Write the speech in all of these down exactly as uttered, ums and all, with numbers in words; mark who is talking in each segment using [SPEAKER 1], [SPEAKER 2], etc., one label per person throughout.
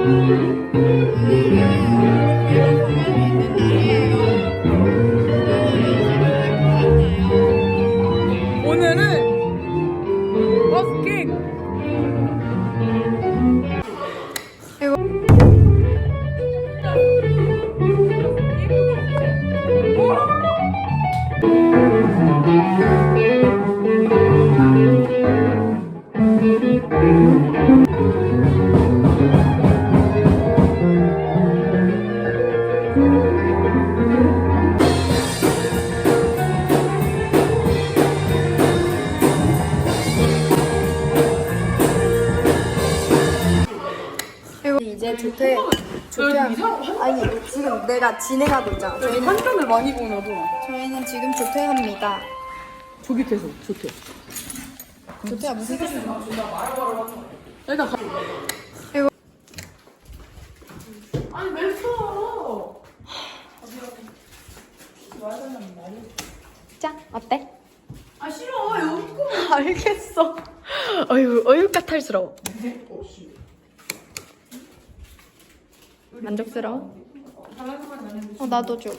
[SPEAKER 1] 오늘은 버스킹.
[SPEAKER 2] 이제 조퇴 조퇴 아니 지금 내가 진행하고 있잖아. 저희는
[SPEAKER 1] 한편을 많이 보나 봐.
[SPEAKER 2] 저희는 지금 조퇴합니다.
[SPEAKER 1] 저기 돼서 좋대.
[SPEAKER 2] 조퇴가 무슨 뜻이야?
[SPEAKER 1] 일단 가.
[SPEAKER 2] 이거
[SPEAKER 1] 아니 왜 써?
[SPEAKER 2] 짠 어때?
[SPEAKER 1] 아 싫어 여기 거.
[SPEAKER 2] 알겠어. 어휴 어휴 까탈스러워. 만족스러워? 어 나도 줘.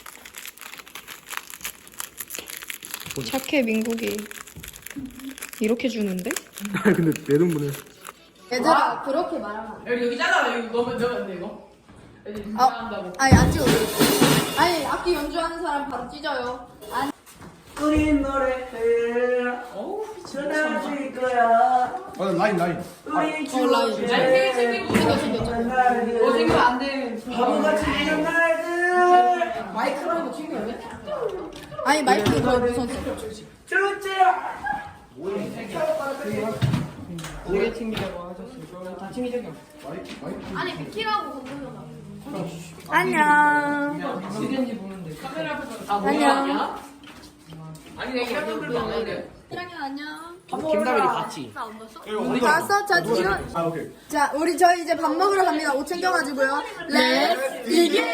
[SPEAKER 2] 착해 민국이. 이렇게 주는데?
[SPEAKER 3] 아니 근데 내 돈분에
[SPEAKER 2] 얘들아 그렇게 말하면 안 돼.
[SPEAKER 1] 여기 여기 잘라 여기 너무 너무 안 돼 이거. 여기
[SPEAKER 2] 아,
[SPEAKER 1] 인사한다고.
[SPEAKER 2] 아니 안 찍어도 돼. 아니 악기 연주하는 사람 바로 찢어요. 아니
[SPEAKER 4] 우리 노래를
[SPEAKER 1] 어우
[SPEAKER 4] 전해줄 거야.
[SPEAKER 3] 아 라인 라인
[SPEAKER 4] 우리
[SPEAKER 2] 어, 라인.
[SPEAKER 4] 추억의
[SPEAKER 1] 생겨 생겨
[SPEAKER 2] 생겨 생겼죠.
[SPEAKER 4] 날들
[SPEAKER 1] 어 생겨 안 돼.
[SPEAKER 4] 바보같이 지는 날들
[SPEAKER 1] 마이크로 이거 챙겨야 돼?
[SPEAKER 2] 아니 마이크 더 무서웠어.
[SPEAKER 4] 주제야.
[SPEAKER 1] 오래 챙기자고 하셨어. 다 챙기자고.
[SPEAKER 2] 아니 비키라고 건드려. 안녕.
[SPEAKER 1] 시간지 보는데 카메라 앞에서 아
[SPEAKER 2] 안녕.
[SPEAKER 1] 아니 내가 이런 분들도 안 해.
[SPEAKER 2] 사랑해 안녕.
[SPEAKER 3] 김다빈이 같이
[SPEAKER 2] 봤어? 자 지금
[SPEAKER 3] 아 오케이
[SPEAKER 2] 자 우리 저희 이제 밥 먹으러 갑니다. 옷 챙겨가지고요. 렛츠 비긴.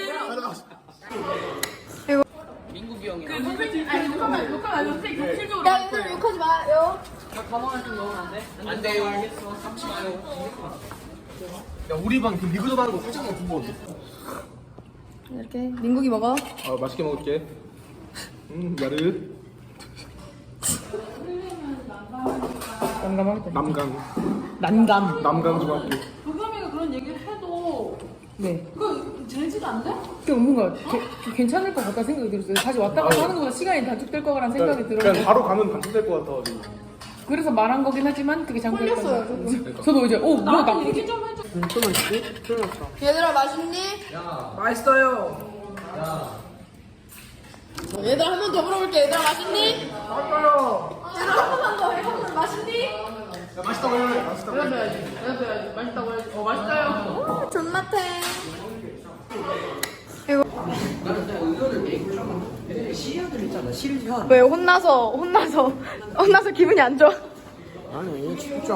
[SPEAKER 1] 민국이 형이. 그 누구지? 아니 잠깐만 욕하면 안 돼. 어떻게 격실적으로.
[SPEAKER 2] 야 얘들 욕하지 마요.
[SPEAKER 1] 가방을 좀 넣으면 안 돼? 안 돼요. 알겠어. 삼치 마요.
[SPEAKER 3] 야 우리 방 그 리그룹 하는 거 솔직히 궁금해
[SPEAKER 2] 이렇게 민국이 먹어.
[SPEAKER 3] 아 맛있게 먹을게 음 야르
[SPEAKER 1] 난감하겠다.
[SPEAKER 3] 남강
[SPEAKER 1] 난감.
[SPEAKER 3] 남강 좀 할게
[SPEAKER 5] 도겸이가 그런 얘기를 해도
[SPEAKER 1] 네.
[SPEAKER 5] 그 되지도 않대?
[SPEAKER 1] 그 뭔가 게, 괜찮을 것 같다 생각이 들었어요. 다시 왔다 갔다 하는 것보다 시간이 단축될 거라는 생각이
[SPEAKER 3] 그냥,
[SPEAKER 1] 들어서
[SPEAKER 3] 그냥 바로 가면 단축될 것 같아가지고
[SPEAKER 1] 그래서 말한 거긴 하지만 그게 잘못됐던 것
[SPEAKER 2] 홀렸어요,
[SPEAKER 1] 같아요. 저도 이제 오 뭐야
[SPEAKER 5] 나한테
[SPEAKER 1] 나쁘지?
[SPEAKER 5] 얘기 좀 해줘.
[SPEAKER 2] 얘들아 맛있니?
[SPEAKER 1] 맛있어요.
[SPEAKER 2] 얘들아 한 번 더 물어볼게. 얘들아 맛있니?
[SPEAKER 1] 맛있어요.
[SPEAKER 2] 얘들아 한 번만 더 해보면 맛있니?
[SPEAKER 3] 야 맛있다고 해 맛있다고 해
[SPEAKER 1] 해야지. 해야지. 맛있다고 해야지. 어 맛있어요.
[SPEAKER 2] 오 존맛해. 왜 혼나서 혼나서 혼나서 기분이 안 좋아?
[SPEAKER 3] 아니 진짜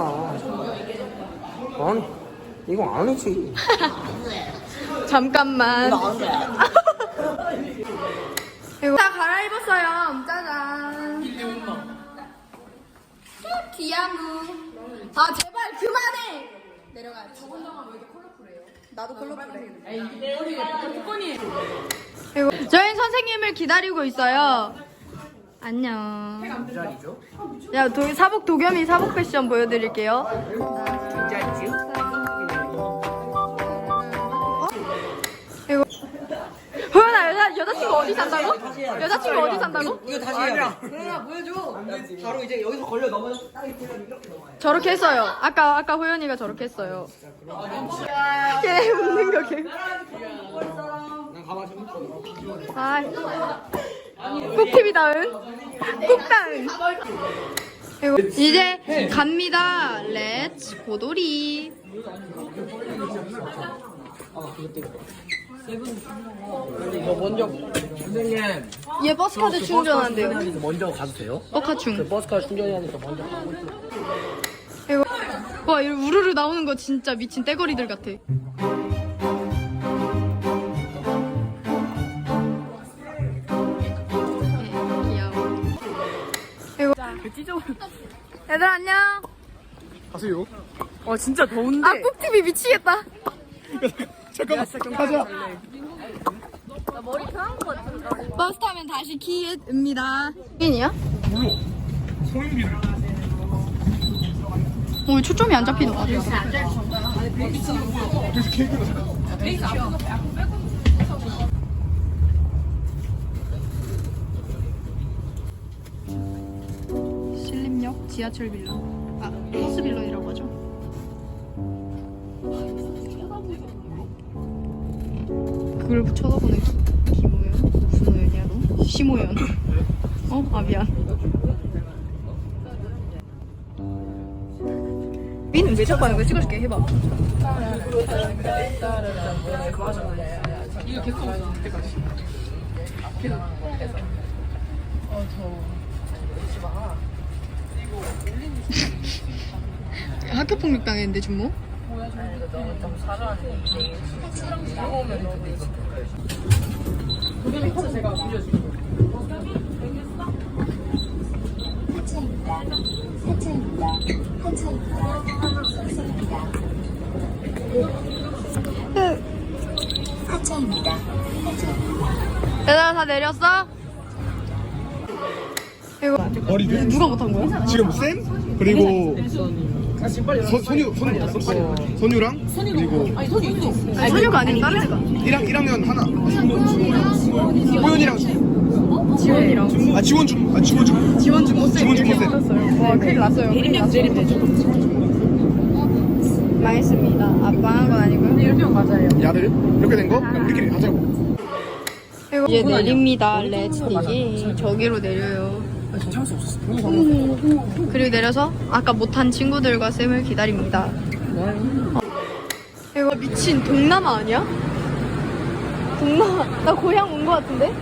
[SPEAKER 3] 아니 이거 아니지
[SPEAKER 2] 잠깐만. 이거 다 갈아입었어요. 짜잔. 귀야무. 아 제발 그만해. 내려가야지. 저번 장은 왜 이렇게 컬러풀해요? 나도 컬러풀해. 그리고 저희 선생님을 기다리고 있어요. 안녕. 야, 도, 사복 도겸이 사복 패션 보여드릴게요. 이거 호연아 여자 여자친구 어디 산다고? 여자친구 어디 산다고?
[SPEAKER 4] 이거 다시 해야 돼. 그러나 보여줘. 바로 이제 여기서 걸려 넘어.
[SPEAKER 2] 저렇게 했어요. 아까 아까 호연이가 저렇게 했어요. 걔 웃는 거 걔. 아, 꿀팁이다은. 꿀다은. 이거 이제 갑니다. 렛츠 고돌이.
[SPEAKER 4] 이거 먼저 선생님.
[SPEAKER 2] 얘 버스카드 충전한대요.
[SPEAKER 4] 먼저 가도 돼요?
[SPEAKER 2] 버카충.
[SPEAKER 4] 버스카 충전해야 되니까 먼저 가고 있어요.
[SPEAKER 2] 이거 와, 이거 우르르 나오는 거 진짜 미친 떼거리들 같아. 귀여워. 이거 얘들아 안녕.
[SPEAKER 3] 가세요
[SPEAKER 1] 와 진짜 더운데.
[SPEAKER 2] 아 꾹티비 미치겠다.
[SPEAKER 3] 잠깐만 가자.
[SPEAKER 2] 버스 타면 다시 키읔입니다. 민이야?
[SPEAKER 3] 몰라. 성인비를.
[SPEAKER 2] 오 초점이 안 잡히는 것 같아.
[SPEAKER 3] 그래서 케이크가 잠깐.
[SPEAKER 2] 신림역 지하철 빌런. 아 버스 빌런이라고 하죠. 그걸 쳐다보네. 김호연? 무슨 호연이야 너? 심호연. 어? 아 미안. 민은 왜 자꾸 하는 거야? 찍어줄게. 해봐.
[SPEAKER 1] 이거 개코 없어 그때까지.
[SPEAKER 2] 학교 폭력 당했는데 준모?
[SPEAKER 1] 도겸이 커서 제가 빌려줄게요.
[SPEAKER 2] 얘들아 다 내렸어? 이거
[SPEAKER 3] 머리들.
[SPEAKER 2] 누가 못한 거야?
[SPEAKER 3] 지금 쌤 그리고 서, 선유 선유 못했어? 선유랑 그리고
[SPEAKER 1] 아니 손이 있어.
[SPEAKER 2] 아니 선유가 아니고 다른 애가.
[SPEAKER 3] 일 학, 일 학년 하나. 호연이랑
[SPEAKER 2] 지원이랑
[SPEAKER 3] 아 지원중 아 지원중
[SPEAKER 2] 지원 중고쌤
[SPEAKER 3] 지원 중고쌤.
[SPEAKER 2] 와 큰일 났어요.
[SPEAKER 1] 내리면 내리면 되죠.
[SPEAKER 2] 망했습니다. 아빠 한 건 아니고요.
[SPEAKER 1] 일명 맞아요.
[SPEAKER 3] 야들 이렇게 된 거? 그냥 우리끼리 하자고.
[SPEAKER 2] 이제 내립니다. 렛츠디기 저기로 내려요.
[SPEAKER 3] 참을 수 없었어.
[SPEAKER 2] 그리고 내려서 아까 못한 친구들과 쌤을 기다립니다. 어. 이거 미친 동남아 아니야? 동남아. 나 고향 온 거 같은데?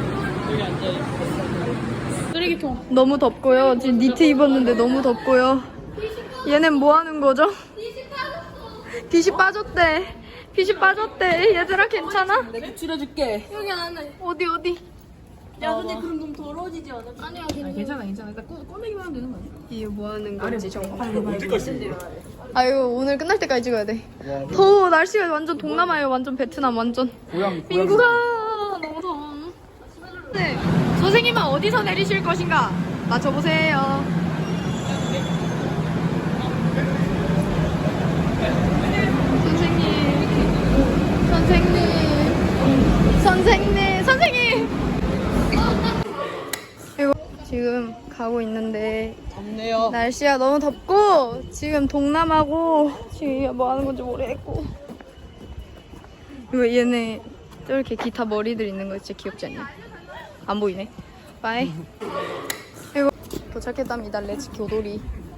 [SPEAKER 1] 쓰레기통.
[SPEAKER 2] 너무 덥고요. 지금 니트 입었는데 너무 덥고요. 얘넨 뭐 하는 거죠? 빛이 빠졌대. 빛이 빠졌대. 얘들아 괜찮아?
[SPEAKER 1] 내가 추려줄게.
[SPEAKER 2] 어디 어디?
[SPEAKER 1] 야 근데 그럼 너무 더러워지지 않아? 아니야 괜찮아 괜찮아. 일단 꺼 꺼내기만 하면 되는 거 아니야?
[SPEAKER 2] 이게 뭐 하는 건지 정말.
[SPEAKER 3] 언제까지?
[SPEAKER 2] 아유 오늘 끝날 때까지 찍어야 돼. 더워. 날씨가 완전 동남아예요. 완전 베트남 완전.
[SPEAKER 3] 고양
[SPEAKER 2] 민구가 너무 더워. 네. 선생님은 어디서 내리실 것인가? 맞춰보세요. 선생님. 선생님. 선생님. 선생님. 이거 지금 가고 있는데
[SPEAKER 1] 덥네요.
[SPEAKER 2] 날씨가 너무 덥고 지금 동남아고 지금 뭐 하는 건지 모르겠고 이거 얘네 저렇게 기타 머리들 있는 거 진짜 귀엽지 않냐? 안 보이네. 빠이. 이거 도착했답니다. 렛츠 교돌이.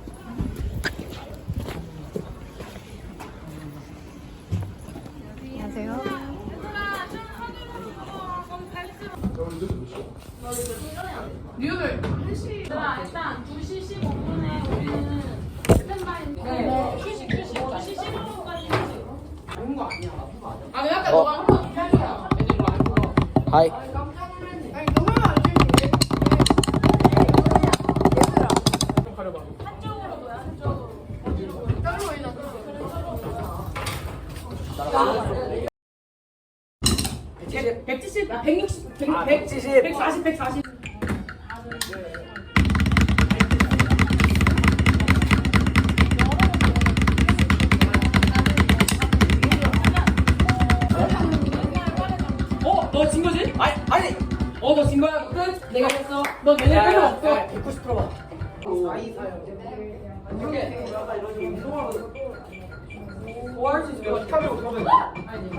[SPEAKER 2] 안녕하세요.
[SPEAKER 1] 뉴욕을
[SPEAKER 5] 일단 두 시 십오 분에 우리는 스탠바이인데 휴식 휴식 두 시 십오 분까지 휴식.
[SPEAKER 1] 아 근데 아까 너가 한번 해줘야 애들 이거 알고.
[SPEAKER 3] 하이.
[SPEAKER 1] 가려봐.
[SPEAKER 5] 한쪽으로 놓여 한쪽으로.
[SPEAKER 1] 백칠십, 아 백육십, 백, 백칠십, 백사십, 백사십. 어, 너 진 거지? 아니, 아니. 어, 너 진 거야. 끝. 내가 했어. 너 내년 필요 없어. 백구십 퍼센트 봐. 이렇게. 뭐할수 있어? 카메라 어떻게 하면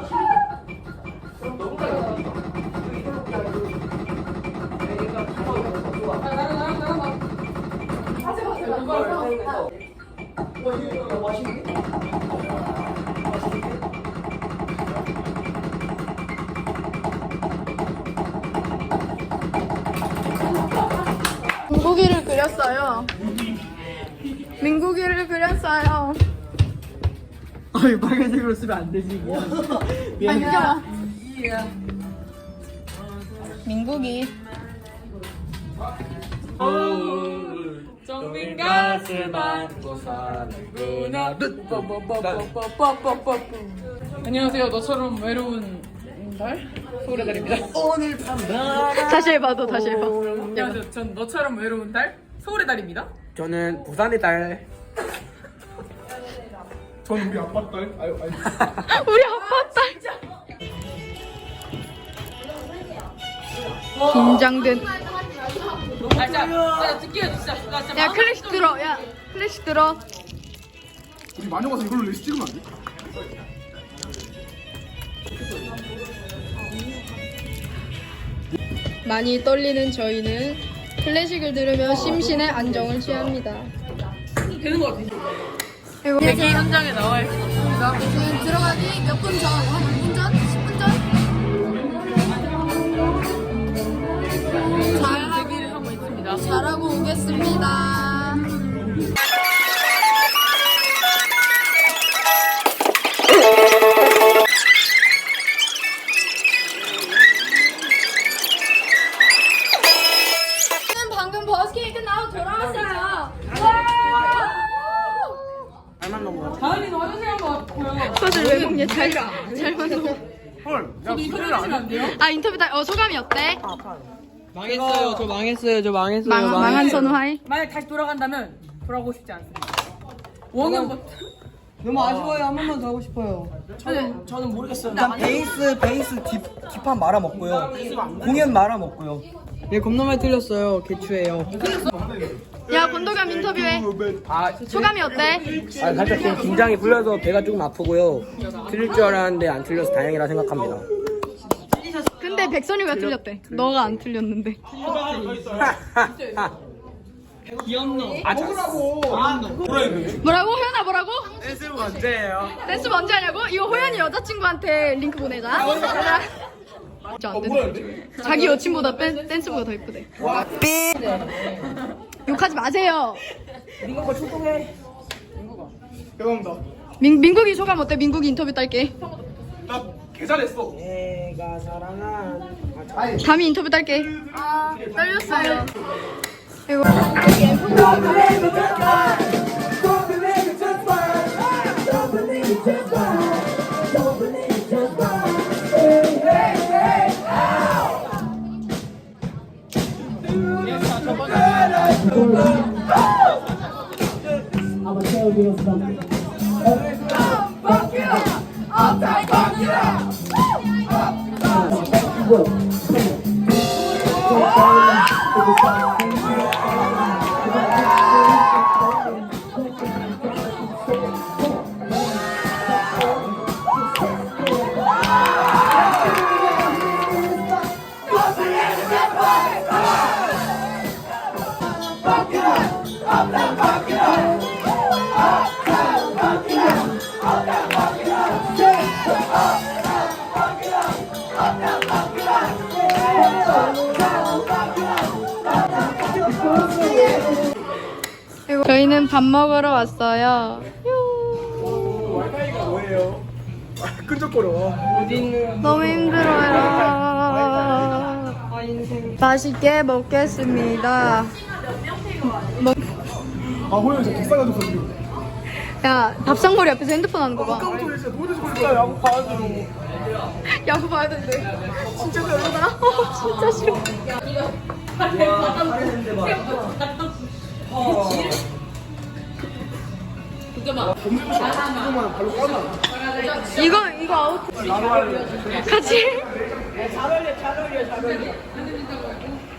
[SPEAKER 2] 민국이를 그렸어요. 민국이를 그렸어요.
[SPEAKER 4] 아 이거 빨간색으로 쓰면 안 되지.
[SPEAKER 2] 아니 그려. 민국이.
[SPEAKER 1] 정민 가슴 안고 사는구나. 안녕하세요. 너처럼 외로운 달? 서울의 달입니다. 오늘 밤
[SPEAKER 2] 다시 해봐, 너 다시 해봐.
[SPEAKER 1] 안녕하세요. 전 너처럼 외로운 달 서울의 달입니다.
[SPEAKER 6] 저는 부산의 딸.
[SPEAKER 3] 전 우리 아빠 딸. 아유 아유.
[SPEAKER 2] 우리 아빠 딸. 긴장된.
[SPEAKER 1] 아 진짜 나 듣기 진짜 나 진짜
[SPEAKER 2] 야 클래식 들어. 야 클래식 들어.
[SPEAKER 3] 우리 마녀 가서 이걸로 레시 찍으면 안 돼?
[SPEAKER 2] 많이 떨리는 저희는 클래식을 들으며 심신의 안정을 취합니다.
[SPEAKER 1] 되는 거 같아.
[SPEAKER 2] 그리고
[SPEAKER 1] 대기 현장에 나와 있어.
[SPEAKER 2] 지금 들어가기 몇 분 전? 한 오 분 전? 십 분 전? 잘
[SPEAKER 1] 대기를 하고 있습니다.
[SPEAKER 2] 잘하고 오겠습니다. 방금 버스킹이 끝나고 돌아왔어요.
[SPEAKER 6] 잘만 넘어
[SPEAKER 1] 다은이 너 화장실 한번 보여.
[SPEAKER 2] 소주 왜 먹냐? 잘, 잘 만들어.
[SPEAKER 6] 헐. 야
[SPEAKER 1] 인터뷰 해주시면 안 돼요?
[SPEAKER 2] 아 인터뷰 다, 어 소감이 어때?
[SPEAKER 6] 망했어요. 저 망했어요. 저 망했어요.
[SPEAKER 2] 망, 망한 선우하이?
[SPEAKER 1] 만약 다시 돌아간다면 돌아가고 싶지 않습니다. 원형부터.
[SPEAKER 4] 너무 아쉬워요. 한 번만 더 하고 싶어요.
[SPEAKER 6] 저는 저는 모르겠어요. 일단 베이스 베이스 뒷 뒷판 말아 먹고요. 공연 말아 먹고요.
[SPEAKER 4] 네, 겁나 많이 틀렸어요. 개추예요.
[SPEAKER 2] 야 권도겸 인터뷰해.
[SPEAKER 6] 아,
[SPEAKER 2] 소감이 어때?
[SPEAKER 6] 아 살짝 지금 긴장이 풀려서 배가 조금 아프고요. 틀릴 줄 알았는데 안 틀려서 다행이라 생각합니다.
[SPEAKER 2] 근데 백선이가 틀렸대. 너가 안 틀렸는데. 뭐라고? 호연아 뭐라고?
[SPEAKER 6] 댄스 언제예요?
[SPEAKER 2] 댄스 언제 하냐고? 이거 호연이 여자친구한테 링크 보내자. 가자. 진짜 안 된대. 자기 여친보다 댄, 댄스보다 더 이쁘대. 욕하지 마세요.
[SPEAKER 3] 죄송합니다.
[SPEAKER 2] 민, 민국이 소감 어때? 민국이 인터뷰 딸게.
[SPEAKER 3] 나 개잘했어.
[SPEAKER 6] 내가 사랑한
[SPEAKER 2] 담이 인터뷰 딸게. 아 떨렸어요. 이거 저희는 밥 먹으러 왔어요.
[SPEAKER 3] 와이파이가 뭐예요? 끈적거려.
[SPEAKER 2] 너무 힘들어요. 맛있게 먹겠습니다. 먹...
[SPEAKER 3] 아 호연 진짜 비싸가지고 지금.
[SPEAKER 2] 야 밥상머리 앞에서 핸드폰 하는 거 봐.
[SPEAKER 3] 깜짝이야 진짜 노래 좀 진짜 야구 봐야죠.
[SPEAKER 2] 야구 봐야 된대. 진짜 별로다. 어, 진짜 싫어.
[SPEAKER 3] 이거만 발로 꺼놔.
[SPEAKER 2] 이거 이거 아웃. 같이.
[SPEAKER 4] 잘 어울려, 잘 어울려, 잘 어울려.